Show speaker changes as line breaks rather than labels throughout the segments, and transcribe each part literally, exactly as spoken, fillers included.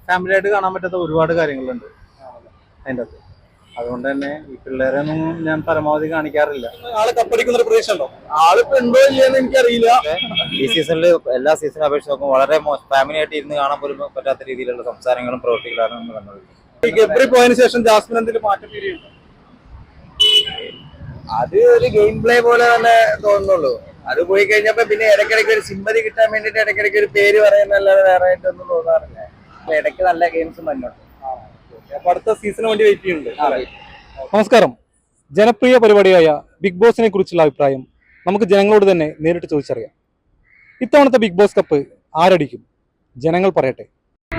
Family ആയിട്ട് കാണാൻ പറ്റാത്ത ഒരുപാട് കാര്യങ്ങളുണ്ട് അതിൻ്റെ അകത്ത്. അതുകൊണ്ട് തന്നെ ഈ പിള്ളേരെ ഒന്നും ഞാൻ പരമാവധി കാണിക്കാറില്ല.
ആള് കപ്പടിക്കുന്ന ഒരു പ്രതീക്ഷ ഉണ്ടോ? ആളിപ്പോ ഉണ്ടോ ഇല്ലെന്ന് എനിക്കറിയില്ല.
ഈ സീസണിൽ എല്ലാ സീസണും അപേക്ഷിച്ച് നോക്കുമ്പോൾ വളരെ ഫാമിലി ആയിട്ട് ഇരുന്ന് കാണാൻ പോലും പറ്റാത്ത രീതിയിലുള്ള സംസാരങ്ങളും പ്രവൃത്തികളാണ് നമ്മൾ കണ്ടുകൊണ്ടിരിക്കുന്നത്.
ഈ ഗബ്രി പോയതിനു ശേഷം ജാസ്മിൻ എന്തെങ്കിലും മാറ്റം ഫീലുണ്ടോ?
അത് ഒരു ഗെയിം പ്ലേ പോലെ തന്നെ തോന്നുന്നുള്ളൂ. അത് പോയി കഴിഞ്ഞപ്പോ പിന്നെ ഇടയ്ക്കിടയ്ക്ക് ഒരു സിമ്പതി കിട്ടാൻ വേണ്ടിട്ട് ഇടയ്ക്കിടയ്ക്ക് ഒരു പേര് പറയുന്നല്ലാതെ വേറെ ആയിട്ടൊന്നും തോന്നാറില്ല. ഇടയ്ക്ക് നല്ല ഗെയിംസ് മുന്നോട്ട്.
അപ്പൊ അടുത്ത സീസണിന് വേണ്ടി വെയിറ്റ് ചെയ്യുന്നുണ്ട്.
നമസ്കാരം. ജനപ്രിയ പരിപാടിയായ ബിഗ് ബോസിനെ കുറിച്ചുള്ള അഭിപ്രായം നമുക്ക് ജനങ്ങളോട് തന്നെ നേരിട്ട് ചോദിച്ചറിയാം. ഇത്തവണത്തെ ബിഗ് ബോസ് കപ്പ് ആരടിക്കും? ജനങ്ങൾ പറയട്ടെ.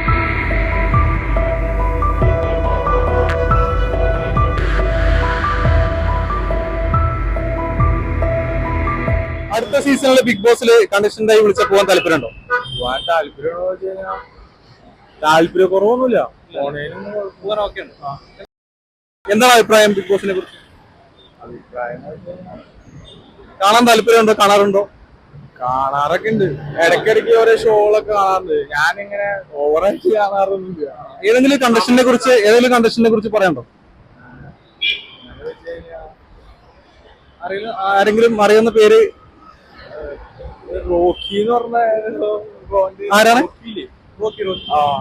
അടുത്ത സീസണിലെ ബിഗ് ബോസിൽ കണ്ടസ്റ്റന്റായി വിളിച്ച പോകാൻ താല്പര്യമുണ്ടോ?
പോകാൻ താല്പര്യമുണ്ടോ വെച്ച് കഴിഞ്ഞാൽ താല്പര്യക്കുറവൊന്നുമില്ല.
പോകാൻ ഓക്കെയാണ്. എന്താണ് അഭിപ്രായം ബിഗ് ബോസിനെ കുറിച്ച്?
അഭിപ്രായം
കാണാൻ താല്പര്യമുണ്ടോ? കാണാറുണ്ടോ?
കാണാറൊക്കെ ഉണ്ട്. ഇടയ്ക്കിടയ്ക്ക് ഓരോ ഷോകളൊക്കെ കാണാറുണ്ട്. ഞാനിങ്ങനെ ഓവറായിട്ട് കാണാറൊന്നുമില്ല.
ഏതെങ്കിലും കണ്ടസ്റ്റന്റിനെ കുറിച്ച് ഏതെങ്കിലും കണ്ടസ്റ്റന്റിനെ കുറിച്ച് പറയാനുണ്ടോ? അറിയില്ല. ആരെങ്കിലും അറിയുന്ന പേര്?
റോക്കി എന്ന് പറഞ്ഞ
ആരാണ്?
റോക്കി റോക്കി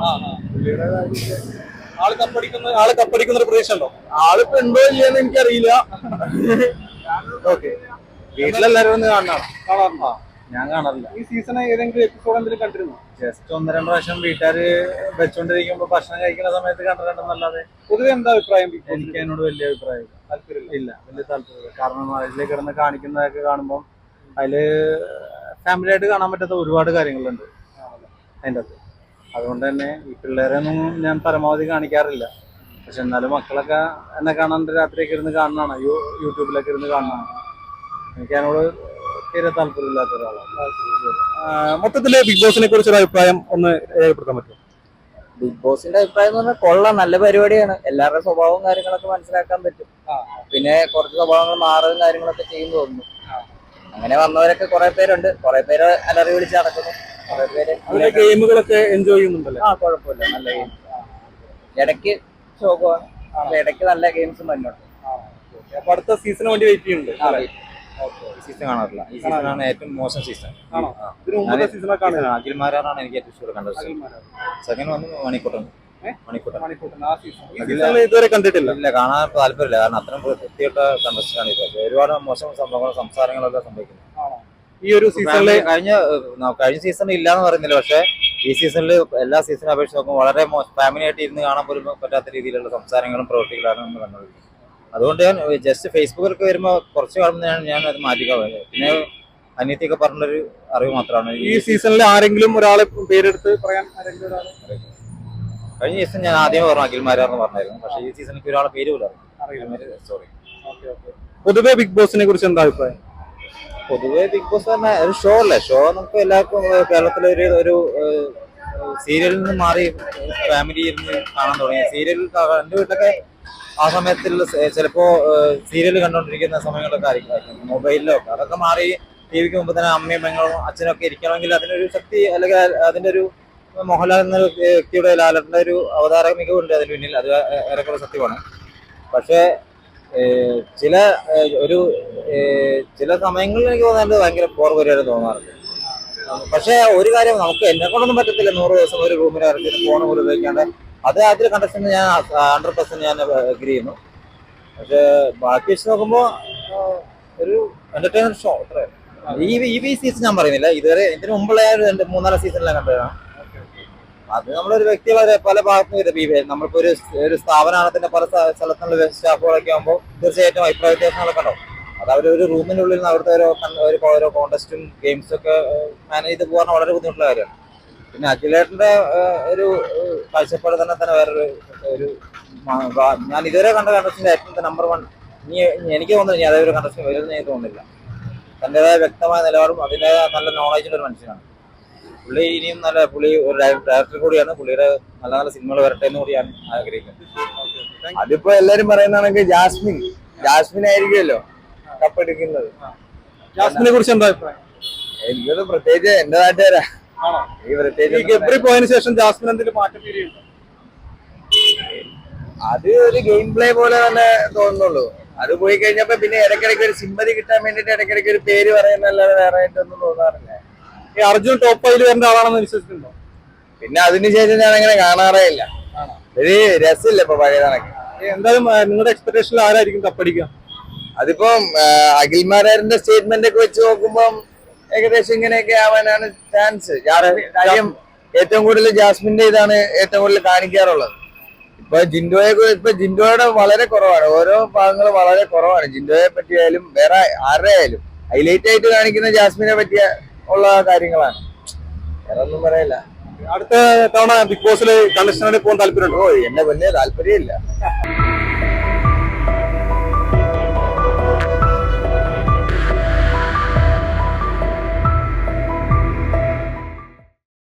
ആള് കപ്പടിക്കുന്ന ആള് കപ്പടിക്കുന്ന ഒരു പ്രതീക്ഷ ഉണ്ടോ?
ആളിപ്പോ ഉണ്ടോ ഇല്ലെന്ന് എനിക്കറിയില്ല.
ഓക്കെ.
വീട്ടിലെല്ലാരും ഒന്ന് കാണണം.
കാണാറുണ്ടോ?
ഞാൻ കാണാറില്ല.
ഈ സീസൺ ഏതെങ്കിലും എപ്പിസോഡ് എന്തെങ്കിലും കണ്ടിരുന്നോ?
ജസ്റ്റ് ഒന്ന് രണ്ട് പ്രാവശ്യം വീട്ടുകാര് വെച്ചോണ്ടിരിക്കുമ്പോ ഭക്ഷണം കഴിക്കുന്ന സമയത്ത് കണ്ടിട്ടുണ്ടെന്നല്ലാതെ
പൊതുവെ എന്താ അഭിപ്രായം?
എനിക്ക് അതിനോട് വലിയ അഭിപ്രായം
താല്പര്യമില്ല.
ഇല്ല, വലിയ താല്പര്യമില്ല. കാരണം അതിലേക്ക് കിടന്ന് കാണിക്കുന്നതൊക്കെ കാണുമ്പോൾ അതില് ഫാമിലി ആയിട്ട് കാണാൻ പറ്റാത്ത ഒരുപാട് കാര്യങ്ങളുണ്ട് അതിൻ്റെ അകത്ത്. അതുകൊണ്ട് തന്നെ ഈ പിള്ളേരെ ഒന്നും ഞാൻ പരമാവധി കാണിക്കാറില്ല. പക്ഷെ എന്നാലും മക്കളൊക്കെ എന്നെ കാണാണ്ട് രാത്രിയൊക്കെ ഇരുന്ന് കാണുന്നതാണ്, യൂട്യൂബിലൊക്കെ ഇരുന്ന് കാണുന്നതാണ്. എനിക്ക് അതിനോട് തീരെ താല്പര്യമില്ലാത്ത ഒരാളാണ്.
മൊത്തത്തില് ബിഗ് ബോസിനെ കുറിച്ചൊരു അഭിപ്രായം ഒന്ന് രേഖപ്പെടുത്താൻ പറ്റുമോ?
ബിഗ് ബോസിന്റെ അഭിപ്രായം എന്ന് പറഞ്ഞാൽ കൊള്ളാം, നല്ല പരിപാടിയാണ്. എല്ലാവരുടെ സ്വഭാവവും കാര്യങ്ങളൊക്കെ മനസ്സിലാക്കാൻ പറ്റും. പിന്നെ കുറച്ച് സ്വഭാവങ്ങൾ മാറുകയും കാര്യങ്ങളൊക്കെ ചെയ്യുന്നു തോന്നുന്നു. അങ്ങനെ വന്നവരൊക്കെ കുറെ പേരുണ്ട്. കുറെ പേര് അലറി വിളിച്ച് നടക്കുന്നു. കുറെ പേര്
ഗെയിമുകളൊക്കെ എൻജോയ് ചെയ്യുന്നുണ്ടല്ലേ?
ആ കുഴപ്പമില്ല, നല്ല ഗെയിം. ഇടയ്ക്ക് ശോകമാണ്, ഇടയ്ക്ക് നല്ല ഗെയിംസ് മുന്നോട്ട്.
അപ്പൊ അടുത്ത സീസണിന് വേണ്ടി വെയിറ്റ് ചെയ്യുന്നുണ്ട്.
ഈ സീസൺ കാണാറില്ല. ഈ സീസണാണ് ഏറ്റവും മോശം സീസൺ. അഖിൽമാരാണ് എനിക്ക് ഏറ്റവും ഇഷ്ടപ്പെട്ട കണ്ടസ്റ്റന്റ്. സെക്കൻഡ് വന്ന് മണിക്കൂട്ടൻ.
ഇതുവരെ കണ്ടിട്ടില്ല.
ഇല്ല, കാണാൻ താല്പര്യമില്ല. കാരണം അത്രയും വൃത്തിയായിട്ട കണ്ടസ്റ്റന്റ് ആണ് ഇത്. ഒരുപാട് മോശം സംഭവങ്ങളും സംസാരങ്ങളൊക്കെ സംഭവിക്കുന്നത്
ഈ ഒരു സീസണില്.
കഴിഞ്ഞ കഴിഞ്ഞ സീസണിൽ ഇല്ലാന്ന് പറയുന്നില്ല, പക്ഷെ ഈ സീസണിൽ എല്ലാ സീസണും അപേക്ഷിച്ച് നോക്കുമ്പോൾ വളരെ ഫാമിലി ആയിട്ട് ഇരുന്ന് കാണാൻ പോലും പറ്റാത്ത രീതിയിലുള്ള സംസാരങ്ങളും പ്രവൃത്തികളാണ് നമ്മൾ കണ്ടുകൊണ്ടിരിക്കുന്നത്. അതുകൊണ്ട് ഞാൻ ജസ്റ്റ് ഫേസ്ബുക്കിലൊക്കെ വരുമ്പോൾ കുറച്ച് കാണുമ്പോൾ ഞാൻ അത് മാറ്റിക്കാൻ പറ്റും. പിന്നെ അനിയത്തിയൊക്കെ പറഞ്ഞൊരു അറിവ് മാത്രമാണ്.
ഈ സീസണിൽ ആരെങ്കിലും ഒരാളെ പേരെടുത്ത് പറയാൻ ആരെങ്കിലും ഒരാളെ?
കഴിഞ്ഞ സീസൺ ഞാൻ ആദ്യമേ പറഞ്ഞു അഖിൽമാരാന്ന് പറഞ്ഞായിരുന്നു. പക്ഷേ ഈ സീസണിൽ ഒരാളെ പേര് പോലും സോറി.
പൊതുവെ ബിഗ് ബോസിനെ കുറിച്ച് എന്താ അഭിപ്രായം?
പൊതുവെ ബിഗ് ബോസ് പറഞ്ഞ ഒരു ഷോ അല്ലേ. ഷോ നമുക്ക് എല്ലാവർക്കും കേരളത്തിലെ ഒരു ഒരു സീരിയലിൽ നിന്ന് മാറി ഫാമിലി ഇരുന്ന് കാണാൻ തുടങ്ങി. സീരിയൽ എൻ്റെ വീട്ടിലൊക്കെ ആ സമയത്തുള്ള ചിലപ്പോ സീരിയൽ കണ്ടുകൊണ്ടിരിക്കുന്ന സമയങ്ങളൊക്കെ ആയിരിക്കും, മൊബൈലിലോ ഒക്കെ. അതൊക്കെ മാറി ടി വിക്ക് മുമ്പ് തന്നെ അമ്മയും പെങ്ങളും അച്ഛനൊക്കെ ഇരിക്കണമെങ്കിൽ അതിനൊരു ശക്തി അല്ലെങ്കിൽ അതിന്റെ ഒരു മോഹൻലാൽ എന്ന വ്യക്തിയുടെ ലാലന്റെ ഒരു അവതാര മികവുണ്ട് അതിന് പിന്നിൽ. അത് ഏറെക്കുറെ സത്യമാണ്. പക്ഷേ ചില ഒരു ചില സമയങ്ങളിൽ എനിക്ക് തോന്നുന്നത് ഭയങ്കര ബോർ പരിപാടി തോന്നാറുണ്ട്. പക്ഷെ ഒരു കാര്യം, നമുക്ക് എന്നെ കൊണ്ടൊന്നും പറ്റത്തില്ല നൂറ് ദിവസം ഒരു റൂമിൽ ഇറക്കി ഫോൺ പോലും ഉപയോഗിക്കാണ്ട്. അത് അതിൽ കണ്ടസ്റ്റന്റ് ഞാൻ ഹൺഡ്രഡ് പെർസെന്റ് ഞാൻ അഗ്രി ചെയ്യുന്നു. പക്ഷെ ബാക്കി വെച്ച് നോക്കുമ്പോൾ ഒരു എന്റർടൈനർ ഷോ അത്ര. ഈ ഈ സീസൺ ഞാൻ പറയുന്നില്ല, ഇതുവരെ ഇതിന് മുമ്പുള്ള രണ്ട് മൂന്നാല് സീസണിലാണ് കണ്ടതാണ്. അത് നമ്മളൊരു വ്യക്തി പല ഭാഗത്തും വരും. നമ്മളിപ്പോ ഒരു ഒരു സ്ഥാപനത്തിന്റെ പല സ്ഥലത്തുള്ള സ്റ്റാഫുകളൊക്കെ ആകുമ്പോൾ തീർച്ചയായിട്ടും അഭിപ്രായ വ്യത്യാസങ്ങളൊക്കെ ഉണ്ടാവും. അത് അവർ ഒരു റൂമിനുള്ളിൽ നിന്ന് അവിടുത്തെ ഓരോ ഓരോ കോൺടെസ്റ്റും ഗെയിംസും ഒക്കെ മാനേജ് ചെയ്ത് പോകാൻ വളരെ ബുദ്ധിമുട്ടുള്ള കാര്യമാണ്. പിന്നെ അഖിലേട്ടന്റെ ഒരു കാഴ്ചപ്പാട് തന്നെ തന്നെ വേറൊരു ഒരു ഞാൻ ഇതുവരെ കണ്ട കണ്ടസ്റ്റിന്റെ ഏറ്റവും നമ്പർ വൺ ഇനി എനിക്ക് തോന്നുന്നു ഇനി അതേ ഒരു കണ്ടസ്റ്റിന് വരുമെന്ന് എനിക്ക് തോന്നുന്നില്ല. തൻ്റെതായ വ്യക്തമായ നിലപാടും അതിൻ്റെതായ നല്ല നോളജുള്ള ഒരു മനുഷ്യനാണ് പുള്ളി. ഇനിയും നല്ല പുള്ളി ഒരു ഡയറക്ടർ കൂടിയാണ്. പുള്ളിയുടെ നല്ല നല്ല സിനിമകൾ വരട്ടെ എന്ന് കൂടിയാണ് ആഗ്രഹിക്കുന്നത്.
അതിപ്പോ എല്ലാരും പറയുന്നതാണെങ്കിൽ ജാസ്മിൻ ജാസ്മിൻ ആയിരിക്കുമല്ലോ കപ്പെടുക്കുന്നത്.
ജാസ്മിനെ കുറിച്ച് എന്താ അഭിപ്രായം?
എനിക്കത് പ്രത്യേകിച്ച് എന്റെ നാട്ടുകാരാ.
ഈ ഗബ്രി പോയതിനു ശേഷം ജാസ്മിൻ എന്തെങ്കിലും മാറ്റം ഫീൽ ചെയ്യുന്നുണ്ടോ?
അത് ഒരു ഗെയിം പ്ലേ പോലെ തന്നെ തോന്നുന്നുള്ളൂ. അത് പോയി കഴിഞ്ഞപ്പോ പിന്നെ ഇടയ്ക്കിടയ്ക്ക് ഒരു സിമ്പതി കിട്ടാൻ വേണ്ടിട്ട് ഇടയ്ക്കിടയ്ക്ക് ഒരു പേര് പറയുന്നല്ലാതെ വേറെ ആയിട്ടൊന്നും തോന്നാറില്ല.
ഈ അർജുൻ ടോപ്പ് ഫൈവിൽ വരേണ്ട ആളാണെന്ന് വിശ്വസിക്കുന്നുണ്ടോ?
പിന്നെ അതിനുശേഷം ഞാൻ അങ്ങനെ കാണാറേ ഇല്ല. ഒരു രസമില്ല ഇപ്പൊ പഴയ കണക്ക്.
എന്തായാലും ആ, നിങ്ങളുടെ എക്സ്പെക്ടേഷനിൽ ആരായിരിക്കും കപ്പടിക്കുക?
അതിപ്പം അഖിൽമാരാറിന്റെ സ്റ്റേറ്റ്മെന്റ് ഒക്കെ വെച്ച് നോക്കുമ്പം ഏകദേശം ഇങ്ങനെയൊക്കെ ആവാനാണ് ചാൻസ്. കാര്യം ഏറ്റവും കൂടുതൽ ജാസ്മിന്റെ ഇതാണ് ഏറ്റവും കൂടുതൽ കാണിക്കാറുള്ളത്. ഇപ്പൊ ജിൻഡോയെ ഇപ്പൊ ജിൻഡോയുടെ വളരെ കുറവാണ്, ഓരോ ഭാഗങ്ങളും വളരെ കുറവാണ്. ജിൻഡോയെ പറ്റിയായാലും വേറെ ആരുടെ ആയാലും ഹൈലൈറ്റ് ആയിട്ട് കാണിക്കുന്ന ജാസ്മിനെ പറ്റിയ ഉള്ള കാര്യങ്ങളാണ്. വേറെ ഒന്നും പറയില്ല.
അടുത്ത തവണ ബിഗ് ബോസിൽ കണ്ടസ്റ്റന്റായിട്ട് പോകാൻ താല്പര്യമുണ്ടോ?
ഓ എന്നെ വലിയ താല്പര്യമില്ല.